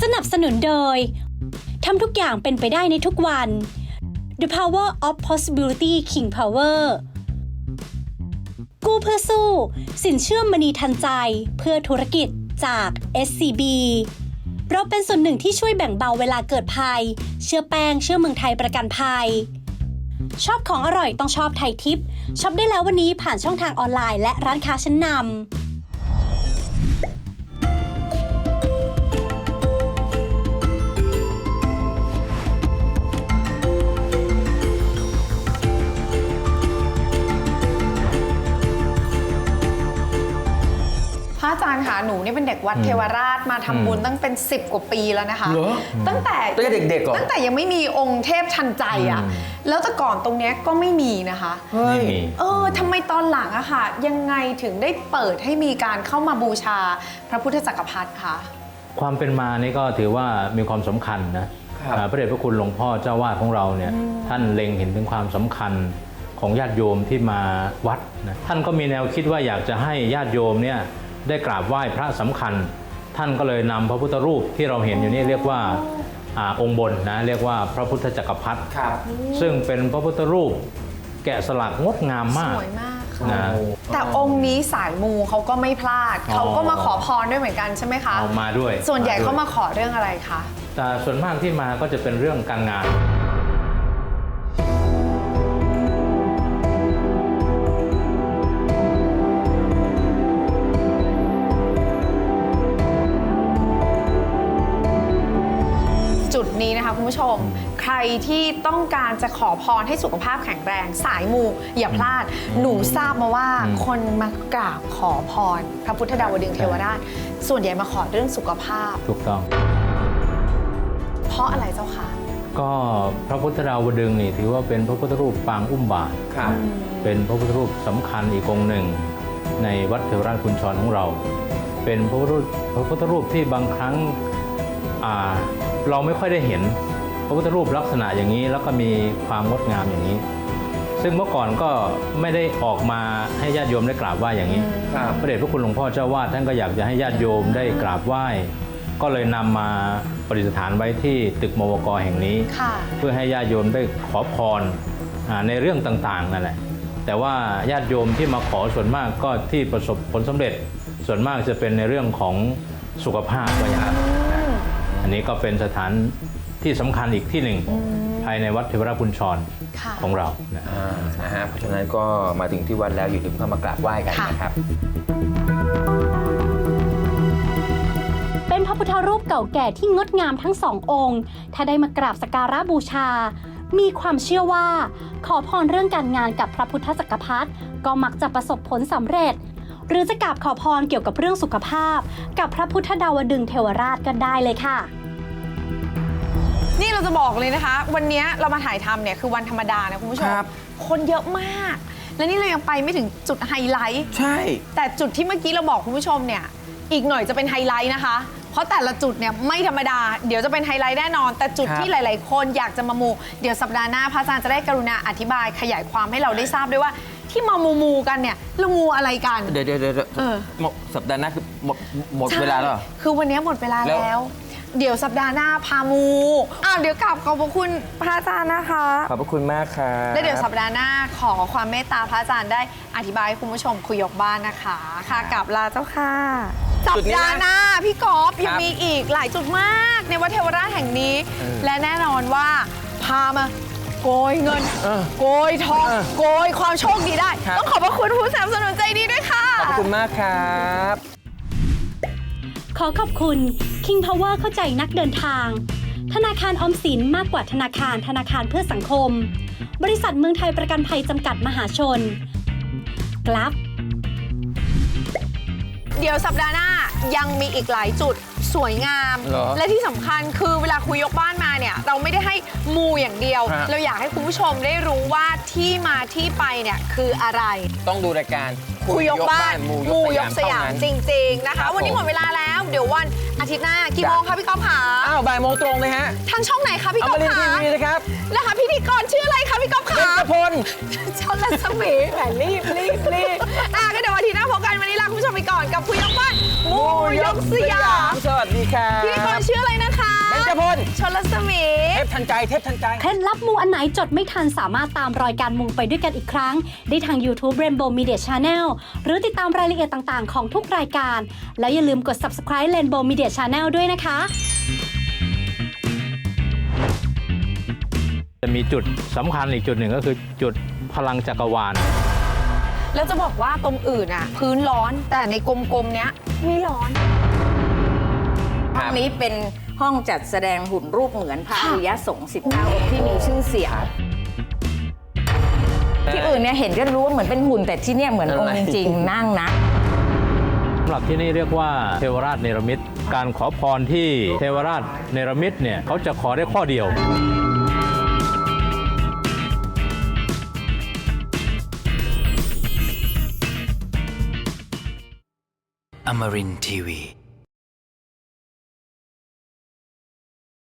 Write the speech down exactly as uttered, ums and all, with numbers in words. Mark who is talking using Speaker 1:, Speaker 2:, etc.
Speaker 1: นับสนุนโดยทำทุกอย่างเป็นไปได้ในทุกวัน The Power of Possibility King Power กู้เพื่อสู้สินเชื่อมณีทันใจเพื่อธุรกิจจาก เอส ซี บี เราเป็นส่วนหนึ่งที่ช่วยแบ่งเบาเวลาเกิดภัยเชื่อแป้งเชื่อเมืองไทยประกันภัยชอบของอร่อยต้องชอบไทยทิปช็อปได้แล้ววันนี้ผ่านช่องทางออนไลน์และร้านค้าชั้นนำ
Speaker 2: พระอาจารย์คะหนูนี่เป็นเด็กวัดเทวราชมาทำบุญตั้งเป็นสิบกว่าปีแล้วนะคะตั้งแต่
Speaker 3: ตั้งแต่เด็กๆก่อน
Speaker 2: ตั้งแต่ยังไม่มีองค์เทพทันใจอ่ะแล้วแต่ก่อนตรงเนี้ยก็ไม่มีนะคะ
Speaker 3: ไม่มี
Speaker 2: เออทำไมตอนหลังอะค่ะยังไงถึงได้เปิดให้มีการเข้ามาบูชาพระพุทธจักรพรรดิคะ
Speaker 4: ความเป็นมานี่ก็ถือว่ามีความสำคัญนะพระเดชพระคุณหลวงพ่อเจ้าวาดของเราเนี่ยท่านเล็งเห็นถึงความสำคัญของญาติโยมที่มาวัดนะท่านก็มีแนวคิดว่าอยากจะให้ญาติโยมเนี่ยได้กราบไหว้พระสำคัญท่านก็เลยนำพระพุทธรูปที่เราเห็นอยู่นี่เรียกว่าอองค์บนนะเรียกว่าพระพุทธจักรพรรดิซึ่งเป็นพระพุทธรูปแกะสลักงดงามมาก
Speaker 2: สวยมากนะแต่องค์นี้สายมูเขาก็ไม่พลาดเขาก็มาขอพรด้วยเหมือนกันใช่ไหมคะ
Speaker 4: เอามาด้วย
Speaker 2: ส่วนใหญ่เขามาขอเรื่องอะไรคะ
Speaker 4: แต่ส่วนมากที่มาก็จะเป็นเรื่องการงาน
Speaker 2: จุดนี้นะคะคุณผู้ชมใครที่ต้องการจะขอพรให้สุขภาพแข็งแรงสายมูอย่าพลาดหนูทราบมาว่าคนมากราบขอพรพระพุทธดาวดึงเทวราชส่วนใหญ่มาขอเรื่องสุขภาพ
Speaker 4: ถูกต้อง
Speaker 2: เพราะอะไรเจ้าคะ
Speaker 4: ก็พระพุทธดาวดึงนี่ถือว่าเป็นพระพุทธรูปปางอุ้มบาตรเป็นพระพุทธรูปสำคัญอีกองค์หนึ่งในวัดเทวราชกุญชรของเราเป็นพระพุทธรูปพระพุทธรูปที่บางครั้งเราไม่ค่อยได้เห็นพระพุทธรูปลักษณะอย่างนี้แล้วก็มีความงดงามอย่างนี้ซึ่งเมื่อก่อนก็ไม่ได้ออกมาให้ญาติโยมได้กราบไหว้อย่างนี้พระเดชพระคุณหลวงพ่อเจ้าวาดท่านก็อยากจะให้ญาติโยมได้กราบไหว้ก็เลยนำมาประดิษฐานไว้ที่ตึกมวก.แห่งนี้เพื่อให้ญาติโยมได้ขอพรในเรื่องต่างๆนั่นแหละแต่ว่าญาติโยมที่มาขอส่วนมากก็ที่ประสบผลสำเร็จส่วนมากจะเป็นในเรื่องของสุขภาพว่าอย่างนั้นอันนี้ก็เป็นสถานที่สำคัญอีกที่หนึ่งภายในวัดเทวราชกุญชรของเรานะ
Speaker 3: ฮะเพราะฉะนั้นก็มาถึงที่วัดแล้วอย่าลืมเข้ามากราบไหว้กันนะครับ
Speaker 1: เป็นพระพุทธรูปเก่าแก่ที่งดงามทั้งสององค์ถ้าได้มากราบสักการะบูชามีความเชื่อว่าขอพรเรื่องการงานกับพระพุทธจักรพรรดิก็มักจะประสบผลสำเร็จหรือจะกราบขอพรเกี่ยวกับเรื่องสุขภาพกับพระพุทธดาวดึงเทวราชกันได้เลยค่ะ
Speaker 2: นี่เราจะบอกเลยนะคะวันนี้เรามาถ่ายทำเนี่ยคือวันธรรมดานะคุณผู้ชมคนเยอะมากและนี่เรายังไปไม่ถึงจุดไฮไลท์
Speaker 3: ใช่
Speaker 2: แต่จุดที่เมื่อกี้เราบอกคุณผู้ชมเนี่ยอีกหน่อยจะเป็นไฮไลท์นะคะเพราะแต่ละจุดเนี่ยไม่ธรรมดาเดี๋ยวจะเป็นไฮไลท์แน่นอนแต่จุดที่หลายๆคนอยากจะมามูเดี๋ยวสัปดาห์หน้าพระอาจารย์จะได้กรุณาอธิบายขยายความให้เราได้ทราบด้วยว่าที่มามูมูกันเนี่ยเรามูอะไรกัน
Speaker 3: เดี๋ยวเดี๋ยวเดี๋ยวสัปดาห์หน้าคือหมดหมดเวลาแล้ว
Speaker 2: คือวันนี้หมดเวลาแล้วเดี๋ยวสัปดาห์หน้าพามูอ้าวเดี๋ยวกลับขอบพระคุณพระอาจารย์นะคะ
Speaker 3: ขอบพระคุณมากค่ะ
Speaker 2: แล้วเดี๋ยวสัปดาห์หน้าขอความเมตตาพระอาจารย์ได้อธิบายให้คุณผู้ชมคุยยกบ้านนะคะค่ะกลับลาเจ้าค่ะสัปดาห์หน้าพี่กอล์ฟยังมีอีกหลายจุดมากในวัดเทวราชแห่งนี้และแน่นอนว่าพามาโกยเงินโกยทองโกยความโชคดีได้ต้องขอบพระคุณผู้สนับสนุนใจดีด้วยค่ะ
Speaker 3: ขอบคุณมากครับ
Speaker 1: ขอขอบคุณ King Power เข้าใจนักเดินทางธนาคารออมสินมากกว่าธนาคารธนาคารเพื่อสังคมบริษัทเมืองไทยประกันภัยจำกัดมหาชนกลับ
Speaker 2: เดี๋ยวสัปดาห์หน้ายังมีอีกหลายจุดสวยงามและที่สำคัญคือเวลาคุยยกบ้านมาเนี่ยเราไม่ได้ให้มูอย่างเดียวเราอยากให้คุณผู้ชมได้รู้ว่าที่มาที่ไปเนี่ยคืออะไร
Speaker 3: ต้องดูรายการ
Speaker 2: คุยยกบ้านมูยกสยามจริงๆนะคะวันนี้หมดเวลาแล้วเดี๋ยววันอาทิตย์หน้ากี่โมงคะพี่ก๊อฟขา
Speaker 3: อ้าวบ่ายโมงตรงเลยฮะ
Speaker 2: ทางช่องไหนคะพี่ก๊อฟ
Speaker 3: ขาอมรินทร์ทีวีนะครับ
Speaker 2: นะคะพิธีกรชื่ออะไรคะพี่ก๊อฟขา
Speaker 3: เบญจพล
Speaker 2: ช่องรัศมีแหมรีบรีบรีบอ่ะก็เดี๋ยววันอาทิตย์หน้าพบกันวันนี้ลาคุณผู้ชมไปก่อนกับคุยยกบ้านมูยกสยาม
Speaker 3: สวัสดีค่ะ
Speaker 2: พิธีกรชื่ออะไรนะคะชลสมี
Speaker 5: เทพทันใจเทพทันใจ
Speaker 1: เคล็ดลับมูอันไหนจดไม่ทันสามารถตามรอยการมูไปด้วยกันอีกครั้ง ได้ทาง YouTube Rainbow Media Channel หรือติดตามรายละเอียดต่างๆของทุกรายการ แล้วอย่าลืมกด Subscribe Rainbow Media Channel ด้วยนะคะ
Speaker 4: จะมีจุดสำคัญอีกจุดหนึ่งก็คือจุดพลังจักรวาล
Speaker 2: แล้วจะบอกว่าตรงอื่นอ่ะ พื้นร้อนแต่ในกลมๆเนี้ยไม่ร้อน
Speaker 6: ห้องนี้เป็นห้องจัดแสดงหุ่นรูปเหมือนพระอริยสงฆ์สิบเก้าองค์ที่มีชื่อเสียง ที่อื่นเนี่ยเห็นก็รู้ว่าเหมือนเป็นหุ่นแต่ที่เนี่ยเหมือนองค์จริงๆนั่งนะ
Speaker 4: สำหรับที่นี่เรียกว่าเทวราชเนรมิตการขอพรที่เทวราชเนรมิตเนี่ยเขาจะขอได้ข้อเดียว
Speaker 7: Amarin Tiwi.